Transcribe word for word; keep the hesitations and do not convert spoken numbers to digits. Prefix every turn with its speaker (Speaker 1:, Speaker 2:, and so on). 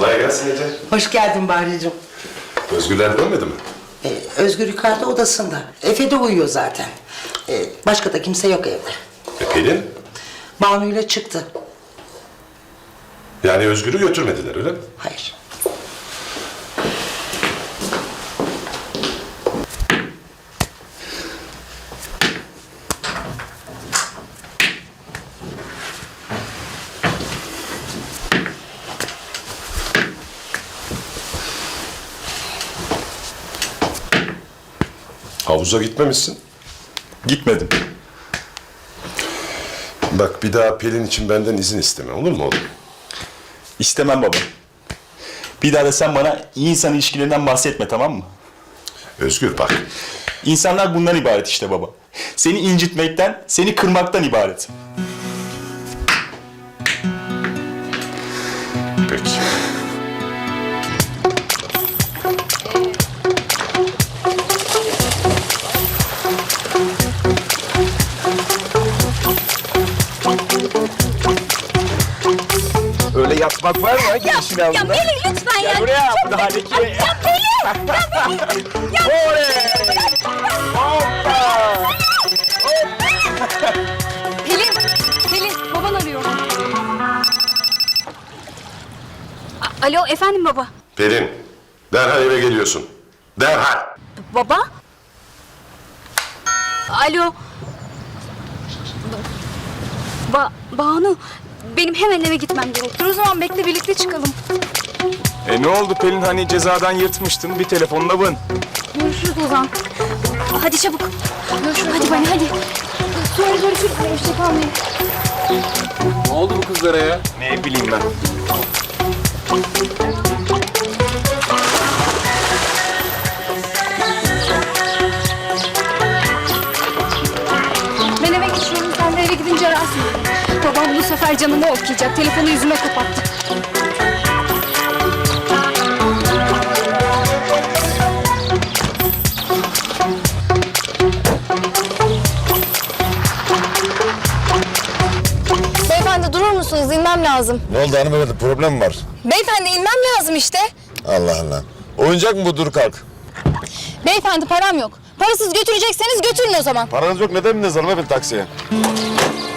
Speaker 1: Kolay gelsin Ece.
Speaker 2: Hoş geldin Bahricim.
Speaker 1: Özgürler dönmedi mi?
Speaker 2: Ee, Özgür yukarıda odasında. Efe de uyuyor zaten. Ee, başka da kimse yok evde.
Speaker 1: E Pelin?
Speaker 2: Banu'yla çıktı.
Speaker 1: Yani Özgür'ü götürmediler öyle mi?
Speaker 2: Hayır.
Speaker 1: Havuza gitmemişsin.
Speaker 3: Gitmedim.
Speaker 1: Bak bir daha Pelin için benden izin isteme, olur mu oğlum?
Speaker 3: İstemem baba. Bir daha da sen bana iyi insan ilişkilerinden bahsetme, tamam mı?
Speaker 1: Özgür bak.
Speaker 3: İnsanlar bundan ibaret işte baba. Seni incitmekten, seni kırmaktan ibaret.
Speaker 1: Peki.
Speaker 3: Öyle yatmak var mı? Gel işin
Speaker 4: Ya
Speaker 3: altında.
Speaker 4: Pelin lütfen ya.
Speaker 3: Gel buraya.
Speaker 4: Çok
Speaker 3: Bu da Haleki.
Speaker 4: Ya Pelin. Ya Pelin. Ya
Speaker 3: Oley! Hoppa!
Speaker 4: Pelin. Pelin baban arıyor. A- Alo efendim baba.
Speaker 1: Pelin, derhal eve geliyorsun. Derhal.
Speaker 4: Baba? Alo. Ba Banu. Benim hemen eve gitmem gerekir. O zaman bekle birlikte çıkalım.
Speaker 3: E ne oldu Pelin, hani cezadan yırtmıştın, bir telefonla bın.
Speaker 4: Görüşürüz o zaman. Hadi çabuk. Görüşürüz. Hadi bana hadi. Sonra görüşürüz. Hoşça kalmayın.
Speaker 5: Ne oldu bu kızlara ya?
Speaker 3: Ne bileyim ben.
Speaker 4: Ben eve geçiyorum. Sen de eve gidince ararsın. Babam bu sefer canımı okuyacak. Telefonu yüzüme kapattı.
Speaker 6: Beyefendi durur musunuz? İnmem lazım.
Speaker 7: Ne oldu hanımefendi, problem mi var?
Speaker 6: Beyefendi inmem lazım işte.
Speaker 7: Allah Allah. Oyuncak mı bu, dur kalk?
Speaker 6: Beyefendi param yok. Parasız götürecekseniz götürün o zaman.
Speaker 7: Paranız yok, neden bindiniz hanımefendi taksiye?